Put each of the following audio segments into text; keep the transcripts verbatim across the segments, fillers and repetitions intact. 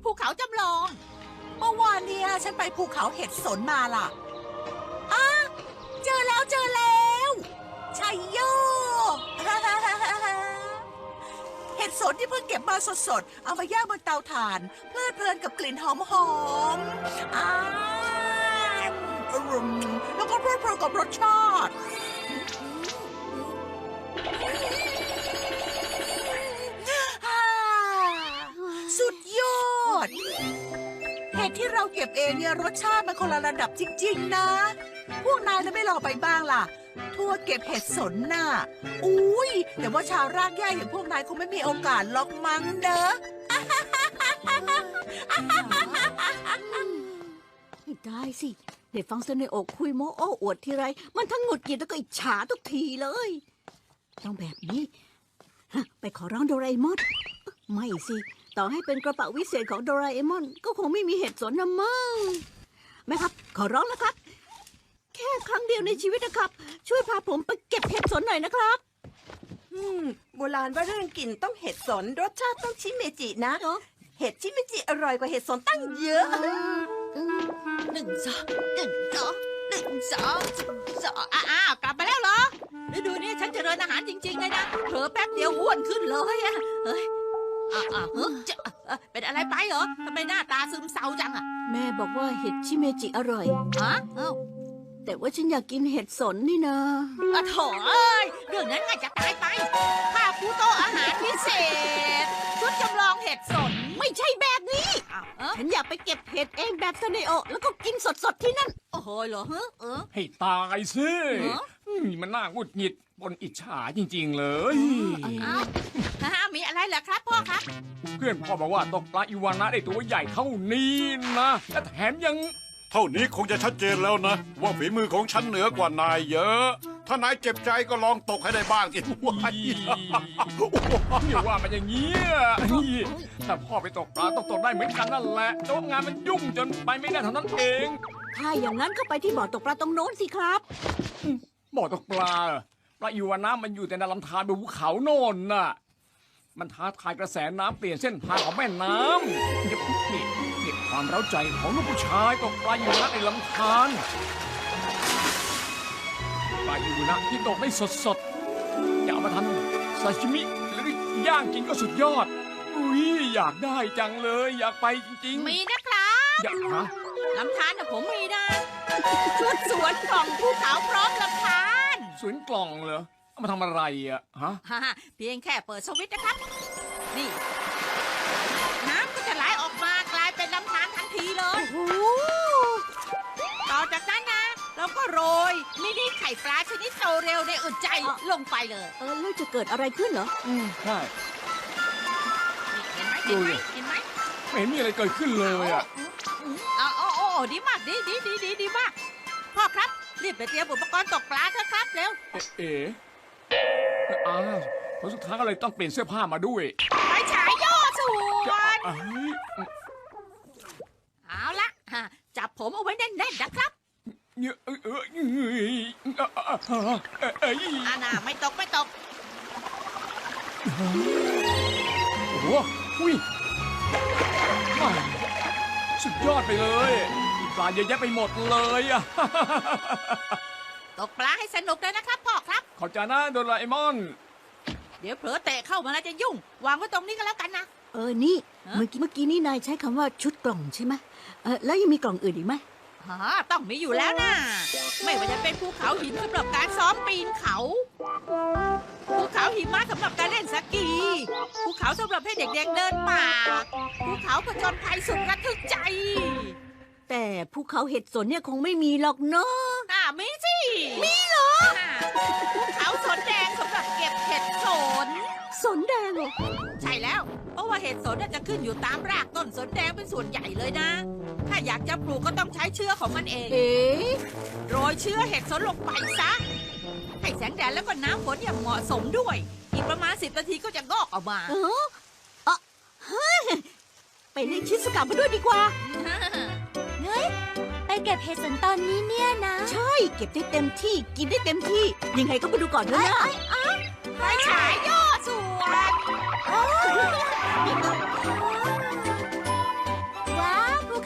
ภูเขาจำลองเมื่อวานเนี่ยฉันไปภูเขาเห็ดสนมาล่ะอ้าเจอแล้วเจอแล้วชัยโย เห็ดสนที่เพิ่งเก็บมาสดๆเอามาย่างบนเตาถ่านเพลิดเพลินกับกลิ่นหอมๆอ้าอร่อยแล้วก็เพลิดเพลินกับรสชาติสุดยอดเห็ดที่เราเก็บเองเนี่ยรสชาติมันคนละระดับจริงๆนะพวกนายจะไม่ลองไปบ้างล่ะทัวร์เก็บเห็ดสนน่ะอุ้ยแต่ว่าชาวรากหญ้าอย่างพวกนายคงไม่มีโอกาสหรอกมั้งเด้อไม่ได้สิได้ฟังเสนออกคุยโม้โอ้อวดทีไรมันทั้งหงุดหงิดแล้วก็อิจฉาทุกทีเลยต้องแบบนี้ฮะไปขอร้องโดราเอมอนไม่สิต่อให้เป็นกระเป๋าวิเศษของโดราเอมอนก็คงไม่มีเห็ดสนนะมั้งแม่ครับขอร้องนะครับแค่ครั้งเดียวในชีวิตนะครับช่วยพาผมไปเก็บเห็ดสนหน่อยนะครับอืมโบราณว่าเรื่องกลิ่นต้องเห็ดสนรสชาติต้องชิเมจินะเนอะเห็ดชิเมจิอร่อยกว่าเห็ดสนตั้งเยอะหนึ่งสองหนึ่งสองหนึ่งสองสองอ้าวกลับมาแล้วเหรอฤดูนี้ฉันเจริญอาหารจริงๆเลยนะเผลอแป๊บเดียวอ้วนขึ้นเลยอะเฮ้ยอ่าอ่าเฮ้ยจะเอ่อเป็นอะไรไปเหรอทำไมหน้าตาซึมเศร้าจังอะแม่บอกว่าเห็ดชิเมจิอร่อยฮะเอ้าแต่ว่าฉันอยากกินเห็ดสนนี่นะอะโถเอ้ยเรื่องนั้นง่ายจะตายไปข้าปูโตะอาหารพิเศษชุดจำลองเห็ดสนไม่ใช่แบบนี้อ้าวเออฉันอยากไปเก็บเห็ดเองแบบเสนโอแล้วก็กินสดๆที่นั่นโอ้โหเหรอเฮ้เออให้ตายสิเหรออืมมันน่าหงุดหงิดบนอิจฉาจริงๆเลยอ้าวฮ่ามีอะไรเหรอครับพ่อครับเพื่อนพ่อบอกว่าตกปลาอีวานะได้ตัวใหญ่เท่านี้นะและแถมยังเท่านี้คงจะชัดเจนแล้วนะ ว่าฝีมือของฉันเหนือกว่านายเยอะ ถ้านายเจ็บใจก็ลองตกให้ได้บ้างสิว้ายอย่าว่ามันอย่างเงี้ยถ้าพ่อไปตกปลาต้องตกได้เหมือนกันนั่นแหละแต่ว่างานมันยุ่งจนไปไม่ได้เท่านั้นเองถ้าอย่างนั้นก็ไปที่บ่อตกปลาตรงโน้นสิครับบ่อตกปลาปลาอีวานะมันอยู่แต่ในลำธารบนภูเขาโน่นน่ะมันท้าทายกระแสน้ำเปลี่ยนเส้นทางของแม่น้ำเก็บนี่เก็บความเร้าใจของลูกผู้ชายตกปลาอีวานะในลำธารปลาอีวานะที่ตกได้สดๆอย่าเอามาทำซาชิมิหรือย่างกินก็สุดยอดอุ้ยอยากได้จังเลย อยากไปจริงๆมีนะครับอยากหาลำธารน่ะผมมีนะชุดสวนกล่องภูเขาพร้อมลำธารสวนกล่องเหรอเอามาทำอะไรอะฮะฮ่าฮ่าเพียงแค่เปิดสวิตช์นะครับ นี่ น้ำก็จะไหลออกมากลายเป็นลำธารทันทีเลยโอ้ต่อจากนั้นนะเราก็โรยมินิไข่ปลาชนิดโตเร็วในอึดใจลงไปเลยเออแล้วจะเกิดอะไรขึ้นเหรออืมใช่นี่เห็นไหมเห็นไหมเห็นไหมไม่เห็นมีอะไรเกิดขึ้นเลยอะเอาเอาเอาเอาดีมากดีดีดีดีดีมากพ่อครับรีบไปเตรียมอุปกรณ์ตกปลาเถอะครับเร็วเอ๊ะเอ๋อ้าวผลสุดท้ายก็เลยต้องเปลี่ยนเสื้อผ้ามาด้วยไปฉายย่อส่วนอ้ายเอาละฮะจับผมเอาไว้แน่นๆนะครับเอ้ยเอ้ยเอ้ยเอ้ยเอ้ยอาน่าไม่ตกไม่ตกโอ้โหอุ้ยว้าวสุดยอดไปเลยมีปลาเยอะแยะไปหมดเลยอะตกปลาให้สนุกเลยนะครับพ่อครับขอบใจนะโดราเอมอนเดี๋ยวเผลอเตะเข้ามาแล้วจะยุ่ง วางไว้ตรงนี้ก็แล้วกันนะเออนี่ฮะเมื่อกี้เมื่อกี้นี่นายใช้คำว่าชุดกล่องใช่ไหมเออแล้วยังมีกล่องอื่นอีกไหมฮะต้องมีอยู่แล้วนะไม่ว่าจะเป็นภูเขาหินสำหรับการซ้อมปีนเขาภูเขาหิมะสำหรับการเล่นสกีภูเขาสำหรับให้เด็กๆเดินป่าภูเขาผจญภัยสุดระทึกใจแต่ภูเขาเห็ดสนเนี่ยคงไม่มีหรอกเนาะอ่ามีสิมีเหรอภูเขาสนแดงสำหรับเก็บเห็ดสนสนแดงเหรอใช่แล้ว เพราะว่าเห็ดสนน่ะจะขึ้นอยู่ตามรากต้นสนแดงเป็นส่วนใหญ่เลยนะ ถ้าอยากจะปลูกก็ต้องใช้เชื้อของมันเองเอ๊ะโรยเชื้อเห็ดสนลงไปซะ ให้แสงแดดแล้วก็น้ำฝนอย่างเหมาะสมด้วย อีกประมาณสิบนาทีก็จะงอกออกมาเออเออเฮ้ยไปเล่นชิสกะมาด้วยดีกว่าเฮ้ยไปเก็บเห็ดสนตอนนี้เนี่ยนะใช่เก็บได้เต็มที่กินได้เต็มที่ ยังไงก็ไปดูก่อนเถอะนะไปฉายย่อส่วน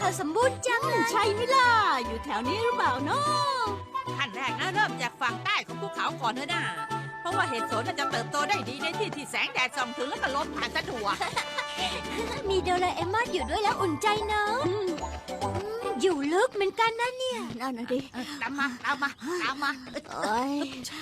เขาสมบูรณ์จังเลยใช่ไหมล่ะ อยู่แถวนี้หรือเปล่าเนาะขั้นแรกนะเริ่มจากฝั่งใต้ของภูเขาก่อนเถอะนะเพราะว่าเห็ดสนน่ะจะเติบโตได้ดีในที่ที่แสงแดดส่องถึงแล้วก็ลมผ่านสะดวกมีโดราเอมอนอยู่ด้วยแล้วอุ่นใจเนอะอืมอยู่ลึกเหมือนกันนะเนี่ยนั่นน่ะดิตามมาตามมาตามมาเอ้ย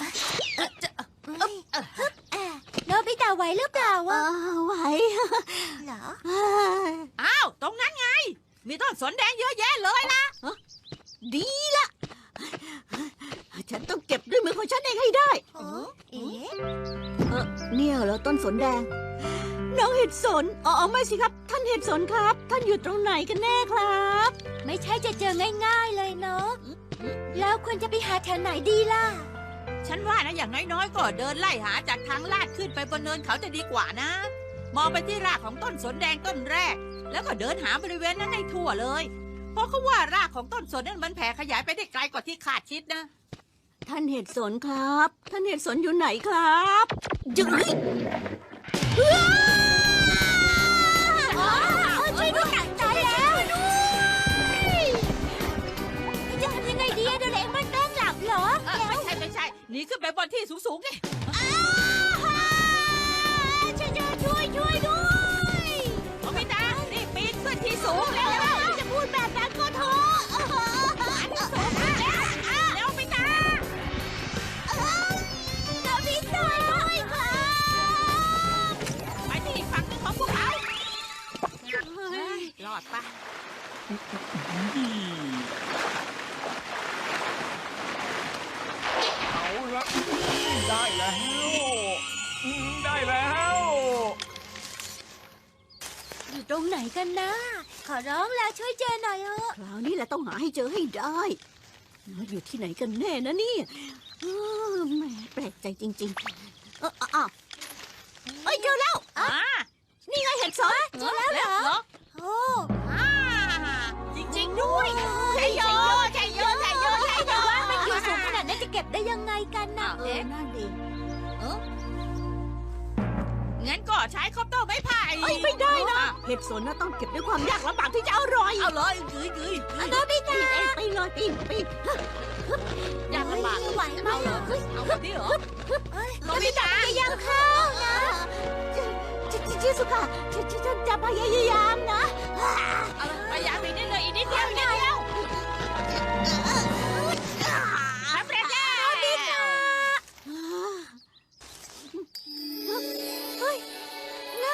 โนบิตะไหวหรือเปล่าเอวะอไหวเหรอเอ้ยอ้าวตรงนั้นไง มีต้นสนแดงเยอะแยะเลยล่ะดีละฉันต้องเก็บด้วยมือของฉันเองให้ได้เอ๊ะเออเนี่ยเหรอต้นสนแดง น้องเห็ดสนอ๋อไม่สิครับ ท่านเห็ดสนครับ ท่านอยู่ตรงไหนกันแน่ครับไม่ใช่จะเจอง่ายๆเลยเนาะแล้วควรจะไปหาแถวไหนดีล่ะฉันว่านะอย่างน้อยๆก็เดินไล่หาจากทางลาดขึ้นไปบนเนินเขาจะดีกว่านะ มองไปที่รากของต้นสนแดงต้นแรก แล้วก็เดินหาบริเวณนั้นให้ทั่วเลย เพราะเขาว่ารากของต้นสนนั้นมันแผ่ขยายไปได้ไกลกว่าที่คาดคิดนะท่านเห็ดสนครับ ท่านเห็ดสนอยู่ไหนครับจึ๊ยช่วยด้วยหนักตายแล้วจะทำยังไงดีอะโดราเอมอนแกล้งหลับเหรอเออไม่ใช่ไม่ใช่หนีขึ้นไปบนที่สูงๆดิช่วยช่วยช่วยด้วยโอมิตารีบปีนขึ้นที่สูงเร็วจะพูดแบบนั้นก็เถอะเร็วมิตาโนบิตะด้วยค่ะไปที่อีกฝั่งหนึงของพวกเขารอดปะเอาละได้แล้วอืมได้แล้วอยู่ตรงไหนกันนะ ขอร้องแล้วช่วยเจอหน่อยเถอะคราวนี้แหละต้องหาให้เจอให้ได้แล้วอยู่ที่ไหนกันแน่นะเนี่ยเออแหมแปลกใจจริงๆ เอออ้าวเอ้ยเจอแล้วอ่านี่ไงเห็ดสนเจอแล้วเหรอเหรอโอ้อ่าจริงๆด้วยใช่โยใช่โยใช่โยใช่โยว่ามันอยู่สูงขนาดนั้นจะเก็บได้ยังไงกันนะเออนั่นดีงั้นก็ใช้คอปเตอร์ไม้ไผ่เอ้ยไม่ได้นะ เห็ดสนน่ะต้องเก็บด้วยความยากลำบากที่จะอร่อยเอาเลยกึยกึยกึยโนบิปีตะนเองปีนเลยปีนปีนยากลำบากไหวไหมเอาเหรออะเอาแบบนี้เหรอโนบิตะพยายามเข้านะชิชิชิสุค่ะฉันฉันฉันจะพยายามนะเอาเลยพยายามอีกนิดเลยอีกนิดเดียวอีกนิดเดียวสำเร็จแล้วเฮ้ยนั่น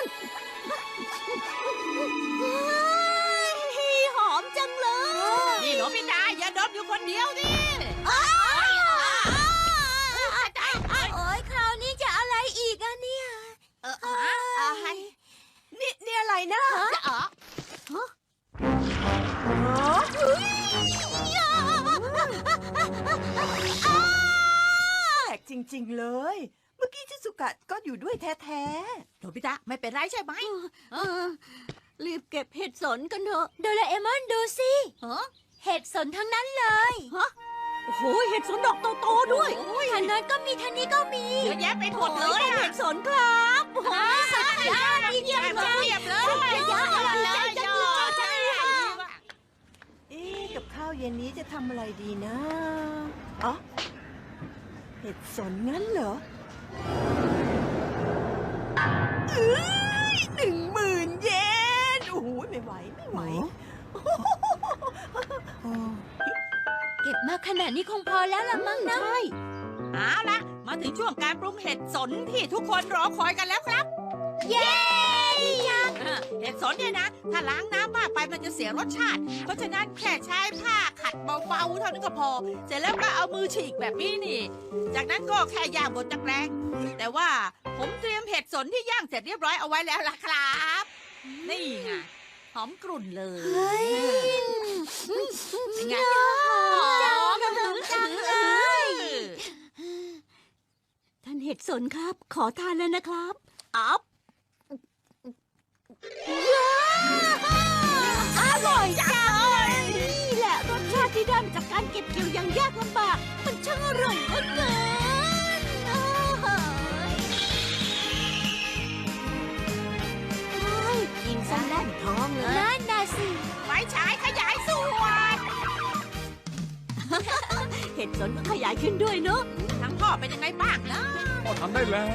เฮ้ยหอมจังเลยนี่หลวงพี่ตาอย่าดมอยู่คนเดียวดิโอ้ยคราวนี้จะอะไรอีกอะเนี่ยเอออะไรนี่นี่อะไรนะจะอ๋อแปลกจริง ๆ เลย เมื่อกี้ชิสุกะก็อยู่ด้วยแท้หลวงพี่ตาไม่เป็นไรใช่ไหมเออรีบเก็บเห็ดสนกันเถอะโดราเอมอนดูสิเออเห็ดสนทั้งนั้นเลยโอ้โหเห็ดสนดอกโตๆด้วยทางนั้นก็มีทางนี้ก็มีเยอะแยะไปหมดเลยเป็นอะเห็ดสนครับโอ้โหสุดยอดเยี่ยมเลยเยี่ยมเลยยอดเลยยอดใช่ๆ เอ๊ะกับข้าวเย็นนี้จะทำอะไรดีนะอ๋อเห็ดสนงั้นเหรอเอ้ยหนึ่งหมื่นเยนโอ้โหไม่ไหวไม่ไหวเก็บมาขนาดนี้คงพอแล้วละมั้งนะใช่เอาละมาถึงช่วงการปรุงเห็ดสนที่ทุกคนรอคอยกันแล้วครับเย้ดีจังเออเห็ดสนเนี่ยนะ ถ้าล้างน้ำมากไปมันจะเสียรสชาติ เพราะฉะนั้นแค่ใช้ผ้าขัดเบาๆเท่านั้นก็พอ เสร็จแล้วก็เอามือฉีกแบบนี้นี่ จากนั้นก็แค่ย่างบนตะแกรงแต่ว่าผมเตรียมเห็ดสนที่ย่างเสร็จเรียบร้อยเอาไว้แล้วล่ะครับ นี่ไงหอมกรุ่นเลยเฮ้ยเป็นไงจังจังเลยท่านเห็ดสนครับ ขอทานแล้วนะครับอัพอร่อยจังเลยนี่แหละรสชาติที่ได้มาจากการเก็บเกี่ยวอย่างยากลำบาก มันช่างอร่อยเหลือเกินโอ้โหเฮ้ยกินซะแน่นท้องเลยนั่นน่ะสิไฟฉายขยับดสนก็ขยายขึ้นด้วยเนอะทั้งพ่อเป็นยังไงบ้างนะพ่อทำได้แล้ว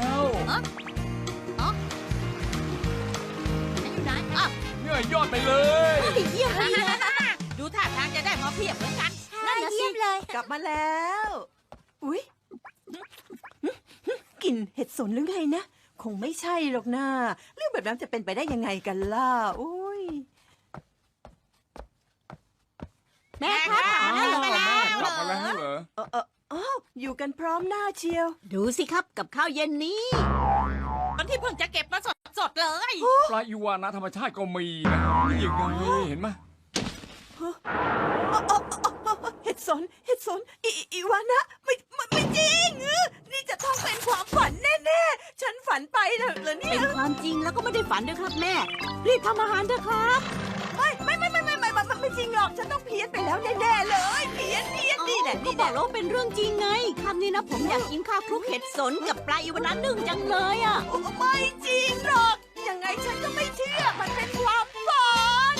ไหนอ่ะเนี่ยยอดไปเลยเยี่ยมเลยนะดูท่าทางจะได้มาเพียบเหมือนกันนั่นนะสิเลยกลับมาแล้ว อุ๊ยกลิ่นเห็ดสนหรือไงนะ คงไม่ใช่หรอกนะเรื่องแบบนั้นจะเป็นไปได้ยังไงกันล่ะอุ้ยแม่ครับแม่ถามครับแล้วเหรอกลับมาแล้วเหรอเออเอออ้าวอยู่กันพร้อมหน้าเชียวดูสิครับกับข้าวเย็นนี้ตอนที่เพิ่งจะเก็บมาสดๆเลยปลาอีวานะธรรมชาติก็มีนะนี่ยังไงเห็นไหมเห็ดสน เห็ดสนอีอีอีวานะไม่ไม่ไม่จริงเออนี่จะต้องเป็นความฝันแน่ๆ ฉันฝันไปเหรอเหรอเนี่เป็ยนความจริงแล้วก็ไม่ได้ฝันด้วยครับแม่ รีบทำอาหารเถอะครับไม่ไม่ไม่ไม่ไม่ไม่ไม่ไม่จริงหรอก ฉันต้องเพี้ยนไปแล้วแน่ๆเลย เพี้ยนเพี้ยนนี่แหละก็นี่บแหอละกแล้วว่าเป็นเรื่องจริงไงคำนี้นะผมอยากกินข้าวคลุกเห็ดสนกับปลาอีวานะนึ่งจังเลยอ่ะโอ้ไม่จริ